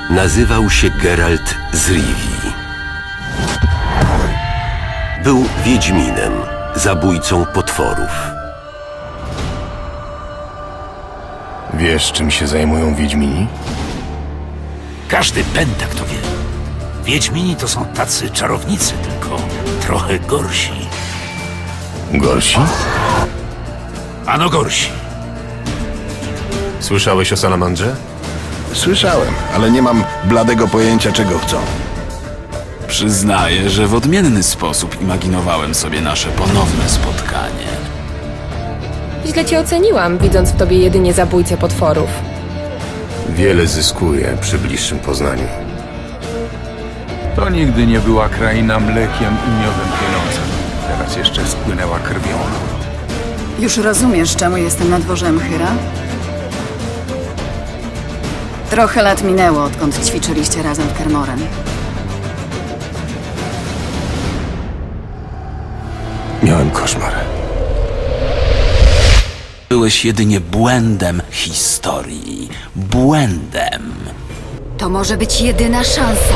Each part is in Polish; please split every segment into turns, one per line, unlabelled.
Nazywał się Geralt z Rivii. Był wiedźminem, zabójcą potworów.
Wiesz, czym się zajmują wiedźmini?
Każdy pętak to wie. Wiedźmini to są tacy czarownicy, tylko trochę gorsi.
Gorsi?
Ano gorsi.
Słyszałeś o salamandrze?
Słyszałem, ale nie mam bladego pojęcia, czego chcą.
Przyznaję, że w odmienny sposób imaginowałem sobie nasze ponowne spotkanie.
Źle cię oceniłam, widząc w tobie jedynie zabójcę potworów.
Wiele zyskuje przy bliższym poznaniu.
To nigdy nie była kraina mlekiem i miodem płynąca. Teraz jeszcze spłynęła krwią.
Już rozumiesz, czemu jestem na dworze Mchyra? Trochę lat minęło, odkąd ćwiczyliście razem w Kermoren.
Miałem koszmar.
Byłeś jedynie błędem historii. Błędem.
To może być jedyna szansa.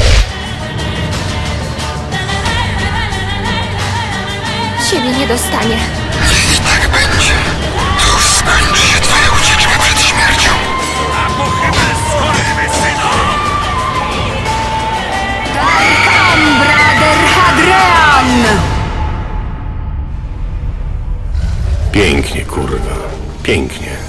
Ciebie nie dostanie.
Brader Hadrian!
Pięknie, kurwa. Pięknie.